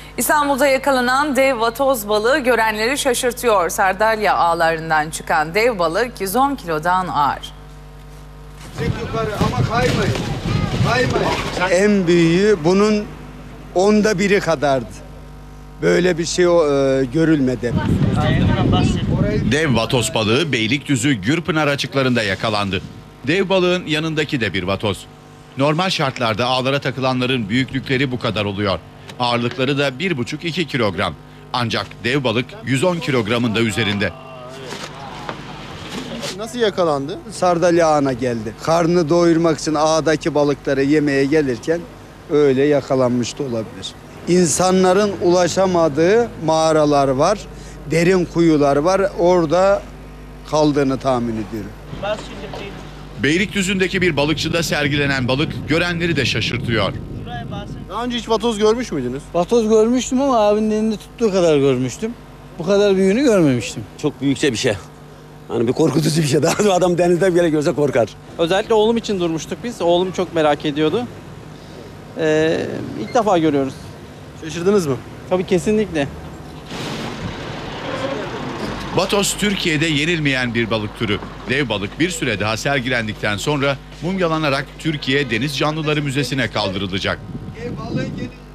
İstanbul'da yakalanan dev vatoz balığı görenleri şaşırtıyor. Sardalya ağlarından çıkan dev balık 110 kilodan ağır. Çık yukarı ama kaymayın. Kaymayın. En büyüğü bunun 1/10 kadardı. Böyle bir şey görülmedi. Dev vatoz balığı Beylikdüzü Gürpınar açıklarında yakalandı. Dev balığın yanındaki de bir vatoz. Normal şartlarda ağlara takılanların büyüklükleri bu kadar oluyor. Ağırlıkları da 1,5-2 kilogram. Ancak dev balık 110 kilogramın da üzerinde. Nasıl yakalandı? Sardalya ağına geldi. Karnını doyurmak için ağdaki balıkları yemeye gelirken öyle yakalanmış da olabilir. İnsanların ulaşamadığı mağaralar var, derin kuyular var. Orada kaldığını tahmin ediyorum. Beylikdüzü'ndeki bir balıkçıda sergilenen balık görenleri de şaşırtıyor. Daha önce hiç vatoz görmüş müydünüz? Vatoz görmüştüm ama abinin elinde tuttuğu kadar görmüştüm. Bu kadar büyüğünü görmemiştim. Çok büyükçe bir şey. Hani bir korkutucu bir şey. Daha adam denizde bile görse korkar. Özellikle oğlum için durmuştuk biz. Oğlum çok merak ediyordu. İlk defa görüyoruz. Şaşırdınız mı? Tabii kesinlikle. Vatoz Türkiye'de yenilmeyen bir balık türü. Dev balık bir süre daha sergilendikten sonra mumyalanarak Türkiye Deniz Canlıları Müzesi'ne kaldırılacak. Balığın